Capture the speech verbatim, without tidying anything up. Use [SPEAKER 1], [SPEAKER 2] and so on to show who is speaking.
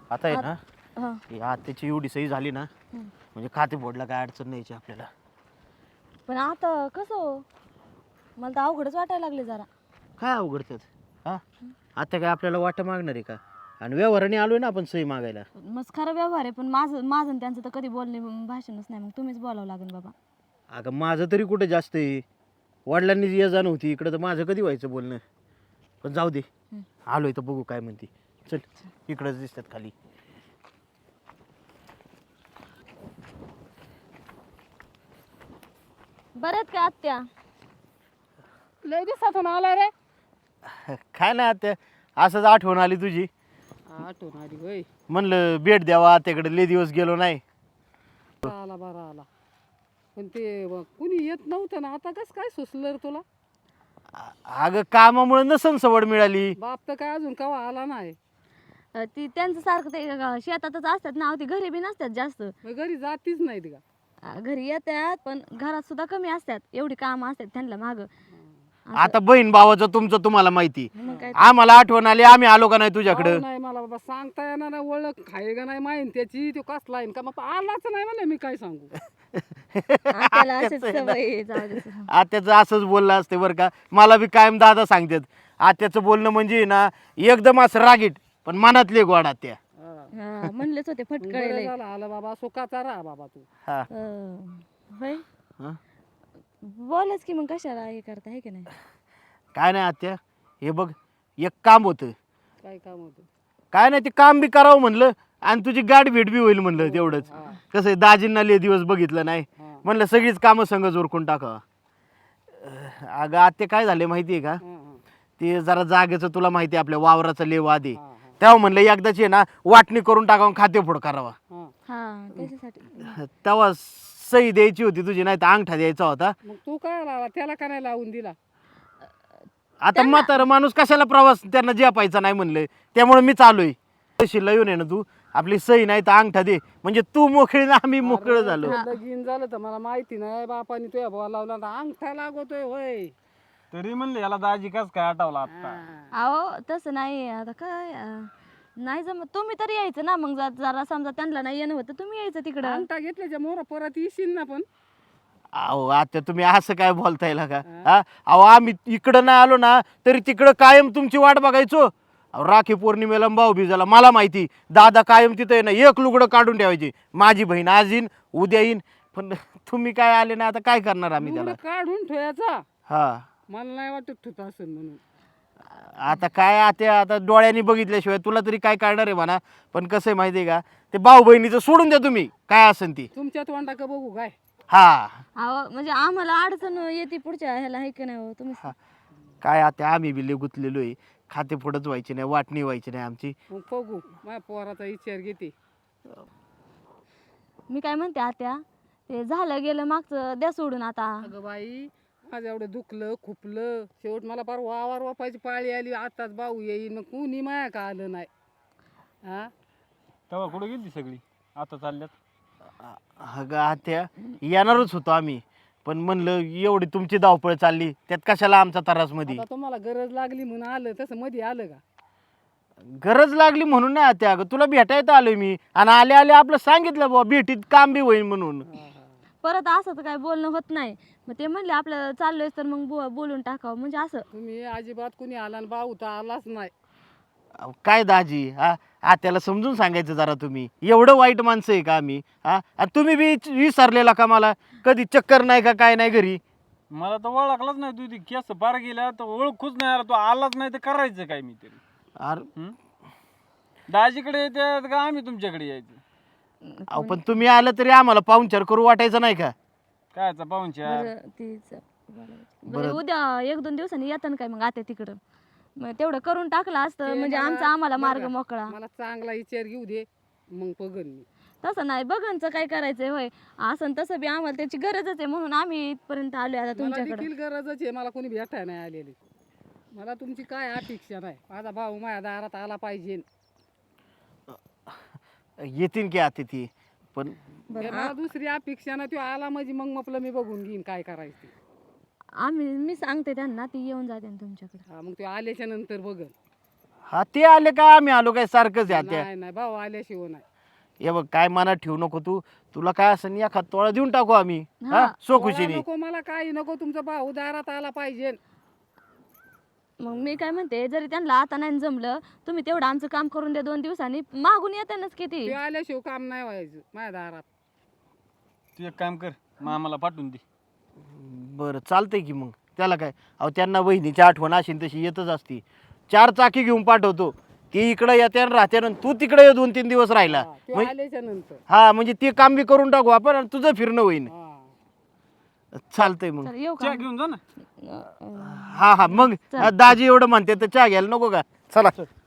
[SPEAKER 1] आता आहे ना
[SPEAKER 2] हा
[SPEAKER 1] ही आत्याची एवढी सही झाली ना म्हणजे खाते फोडला काय अडचण नाही आपल्याला.
[SPEAKER 2] पण आता कसं हो? मला तर अवघडच वाटायला लागले जरा.
[SPEAKER 1] काय अवघडतात हा आता काय आपल्याला वाट मागणार आहे का? आणि व्यवहाराने आलोय ना आपण सही मागायला.
[SPEAKER 2] मस्त खरं व्यवहार आहे, पण माझं माझं आणि त्यांचं तर कधी बोलणे भाषणच नाही. मग तुम्हीच बोलावं लागेल बाबा.
[SPEAKER 1] अगं माझं तरी कुठे जास्त आहे. वडिलांनी ये जा नव्हती इकडं तर माझं कधी व्हायचं बोलणं. पण जाऊ दे आलोय तर बघू काय म्हणते. चल इकडंच दिसतात खाली.
[SPEAKER 2] बऱ्यात का आत्या?
[SPEAKER 3] लय दिवसातून आला रे.
[SPEAKER 1] काय नाही आत्या असंच आठवण आली तुझी.
[SPEAKER 3] आठवण आली होय.
[SPEAKER 1] म्हणलं भेट द्यावा आत्याकडे लय दिवस गेलो नाही.
[SPEAKER 3] आला बरा आला. पण ते ब- कुणी येत नव्हतं ना, आता कस काय सुचलं रे तुला?
[SPEAKER 1] अगं कामामुळे नसन सवड मिळाली.
[SPEAKER 3] बाप तर काय अजून कवा आला नाही.
[SPEAKER 2] अ, ती त्यांचं सारखं ते अ, शेतातच असतात ना, ती घरी बी नसतात जास्त.
[SPEAKER 3] मग घरी जातीच नाहीत का?
[SPEAKER 2] अ, घरी येतात पण घरात सुद्धा कमी असतात. एवढी कामं असतात त्यांना माग.
[SPEAKER 1] आता बहीण भावाचं तुमचं तुम्हाला माहिती.
[SPEAKER 2] मग काय
[SPEAKER 1] आम्हाला आठवण आली आम्ही आलो का नाही तुझ्याकडं.
[SPEAKER 3] अहो, नाही मला बाबा सांगता येणार नाही, ओळख खाय का नाही माहीन त्याची, तो कसला आहे का मग आलाच नाही म्हणे. मी काय सांगू?
[SPEAKER 2] आत्याला अशीच सवय आहे, जाऊ दे.
[SPEAKER 1] आत्याचं असंच बोललं असते बरं का. मला बी कायम दादा सांगतात आत्याचं बोलणं म्हणजे ना एकदम असं रागीट पण मनातले गोड आत्या.
[SPEAKER 3] हा.
[SPEAKER 2] हा, म्हणलेच होते
[SPEAKER 3] बरं
[SPEAKER 2] फटकळले.
[SPEAKER 3] झालं आला बाबा, सुखाचा राहा बाबा तू.
[SPEAKER 1] हा
[SPEAKER 2] होय
[SPEAKER 1] हा.
[SPEAKER 2] बोलच की मग कशाला हे करता आहे की नाही.
[SPEAKER 1] काय नाही आत्या हे बघ एक काम होतं.
[SPEAKER 3] काय काम होतं?
[SPEAKER 1] काय नाही ते काम बी करावं म्हणलं आणि तुझी गाठ भेट बी होईल म्हणलं तेवढंच.
[SPEAKER 3] हा.
[SPEAKER 1] कसं आहे दाजींना लय दिवस बघितलं नाही
[SPEAKER 3] हा.
[SPEAKER 1] म्हणलं सगळीच कामं संगच उरकून टाकावं. अगं आत्या काय झाले माहिती आहे का
[SPEAKER 3] हा, हा.
[SPEAKER 1] ते जरा जागेचं तुला माहिती आहे आपल्या वावराचा लेव आधी.
[SPEAKER 3] हा, हा.
[SPEAKER 1] तेव्हा म्हणलं एकदाची आहे ना वाटणी करून टाकावं खाते फोड करावा.
[SPEAKER 3] हा.
[SPEAKER 2] हा त्याच्यासाठी.
[SPEAKER 1] तेव्हा सही द्यायची होती तुझी नाही तर अंगठा द्यायचा होता.
[SPEAKER 3] मग तू काय लावला त्याला का नाही लावून दिला?
[SPEAKER 1] आता म्हातारा माणूस कशाला प्रवास त्यांना जपायचा नाही म्हणलं त्यामुळे मी चालूय. तशी येऊन आहे ना तू आपली सही नाही तर अंगठा दे म्हणजे तू मोकळी ना आम्ही मोकळं झालो.
[SPEAKER 3] अरे, लगीन झालं तर मला माहिती नाही बापाने तुझ्या भावा लावला ना अंगठा लागतोय होय.
[SPEAKER 4] तरी म्हणले याला दाजी कस काय आठवला आता.
[SPEAKER 3] हा.
[SPEAKER 2] अहो तसं नाही आता काय अं, नाही जमत. तुम्ही तरी यायचं ना मग. जर- जरा समजा त्यांना नाही येणं होतं तुम्ही यायचं तिकडं.
[SPEAKER 3] अंगठा घेतल्याच्या मोर परत येशील ना. पण
[SPEAKER 1] अहो आता तुम्ही असं काय बोलताय का हा अहो आम्ही इकडं नाही आलो ना तरी तिकडं कायम तुमची वाट बघायचो. अहो, राखी पौर्णिमेला भाऊ बीजाला मला माहिती दादा कायम तिथं आहे ना एक लुगडं काढून ठेवायची. माझी बहीण आज येईन उद्या येईन पण तुम्ही काय आले ना आता काय करणार आम्ही त्याला.
[SPEAKER 3] लुगडं काढून ठेवायचा.
[SPEAKER 1] हा
[SPEAKER 3] मला नाही वाटत ठुत असेल म्हणून.
[SPEAKER 1] आता काय आता आता डोळ्यांनी बघितल्याशिवाय तुला तरी काय कळणार आहे म्हणा. पण कसं आहे माहिती आहे का ते भाऊ बहिणीचं सोडून द्या तुम्ही काय असेल ती.
[SPEAKER 3] तुमच्या तोंडा का बघू काय?
[SPEAKER 1] हा
[SPEAKER 2] अहो म्हणजे आम्हाला अडचण येते पुढच्या ह्याला आहे की नाही हो तुम्ही.
[SPEAKER 1] काय आता आम्ही बी लय गुंतलेलो आहे. खाते फोडच व्हायची नाही वाटणी व्हायची नाही आमची.
[SPEAKER 3] मग बघू माझ्या पोराचा विचार घेते.
[SPEAKER 2] मी काय म्हणते आत्या ते झालं गेलं मागचं द्या सोडून आता.
[SPEAKER 3] अगं बाई माझं एवढं दुखलं खुपलं शेवट मला फार वावर वापायची पाळी आली. आताच भाऊ येईन मग कुणी माया का आलं नाही. हा
[SPEAKER 4] तेव्हा कुठे गेली सगळी आता चालल्यात.
[SPEAKER 1] अगं आत्या येणारच होतो आम्ही पण म्हणलं एवढी तुमची धावपळ चालली त्यात कशाला आमचा त्रास मध्ये.
[SPEAKER 3] आता तुम्हाला गरज लागली म्हणून आलं. तसं मध्ये आलं का?
[SPEAKER 1] गरज लागली म्हणून नाही आत्या अगं तुला भेटायला आलोय मी आणि आले आले आपलं सांगितलं बाबा भेटीत काम बी होईल म्हणून.
[SPEAKER 2] परत असं तर काय बोलणं होत नाही. मग ते म्हणले आपलं चाललोय तर मग बो- बोलून टाकावं म्हणजे असं.
[SPEAKER 3] तुम्ही अजिबात कुणी आला आणि भाऊ तर आलाच नाही.
[SPEAKER 1] अहो, काय दाजी हा आत्याला समजून सांगायचं जरा तुम्ही. एवढं वाईट माणसं आहे का आम्ही हा आणि तुम्ही बी विसरलेला का मला कधी चक्कर नाही का काय नाही घरी.
[SPEAKER 4] मला तर ओळखलंच नाही. तू ती केस पार गेल्या तर ओळखूच नाही आला. तू आलाच नाही तर करायचं काय मी तरी.
[SPEAKER 1] अरे
[SPEAKER 4] दाजीकडे येतात का आम्ही तुमच्याकडे यायचं.
[SPEAKER 1] अहो पण तुम्ही आलं तरी आम्हाला पाहुणचार करू वाटायचं नाही का.
[SPEAKER 4] कायचा पाहुणचार.
[SPEAKER 2] बरं तीच बरं उद्या एक दोन दिवसांनी येतं ना काय मग आत्या तिकडं. मग तेवढं करून टाकलं असतं
[SPEAKER 3] ते
[SPEAKER 2] म्हणजे
[SPEAKER 3] मला-
[SPEAKER 2] आमचा आम्हाला मार्ग
[SPEAKER 3] बरं,
[SPEAKER 2] मोकळा.
[SPEAKER 3] मला चांगला विचार घेऊ दे मग बघन मी.
[SPEAKER 2] तसं नाही बघांचं काय करायचंय होय. असं न तसं बी आम्हाला त्याची गरजच आहे म्हणून आम्ही इथपर्यंत आलोय आता
[SPEAKER 3] मला
[SPEAKER 2] तुमच्याकडे.
[SPEAKER 3] देखील गरजच आहे. मला कोणी भेटाय नाही आलेली. मला तुमची काय अपेक्षा नाही. माझा भाऊ माझ्या दारात आला पाहिजे.
[SPEAKER 1] येतील की आता ती पण
[SPEAKER 3] हे मला दुसरी अपेक्षा नाही. तो आला म्हणजे मग म्हटलं मी बघून घेईन काय करायचं ते.
[SPEAKER 2] आम्ही मी सांगते त्यांना ती येऊन जाते ना तुमच्याकडे.
[SPEAKER 3] हा मग तो आल्याच्या नंतर बघन.
[SPEAKER 1] हा ते आले काय आम्ही आलो काय सारखंच आहे त्या
[SPEAKER 3] नाही नाही भाऊ आल्याशिवाय नाही.
[SPEAKER 1] हे बघ काय मनात ठेवू नको तू तुला काय असं एखाद तोळा देऊन टाकू आम्ही हा सो
[SPEAKER 3] मला
[SPEAKER 1] खुशीने
[SPEAKER 3] नको मला काही नको, तुमचा भाऊ दारात आला पाहिजे.
[SPEAKER 2] मग मी काय म्हणते, जरी त्यांना आता नाही जमलं, तुम्ही तेवढं आमचं काम करून द्या दोन दिवसांनी, मागून येतानाच किती.
[SPEAKER 3] ते आल्याशिवाय काम नाही व्हायचं माझ्या दारात.
[SPEAKER 4] तू एक काम कर, मामाला पाठवून दे.
[SPEAKER 1] बरं चालतंय की मग त्याला काय. अहो त्यांना बहिणीची आठवण अशी न तशी येतच असती. चार चाकी घेऊन पाठवतो, ती इकडे येते आणि राहते आणि तू तिकडे ये दोन तीन दिवस राहिला.
[SPEAKER 3] हा, ते
[SPEAKER 1] म्हणजे-
[SPEAKER 3] आल्याच्या नंतर
[SPEAKER 1] हा म्हणजे ते काम बी करून टाकू आपण आणि तुझं फिरणं होईन.
[SPEAKER 3] हा.
[SPEAKER 1] चालतंय मग.
[SPEAKER 2] चल येऊ
[SPEAKER 4] चहा
[SPEAKER 2] का?
[SPEAKER 4] घेऊन जा ना.
[SPEAKER 1] हा हा मग दाजी एवढं म्हणते तर चहा घ्यायला नको का. चला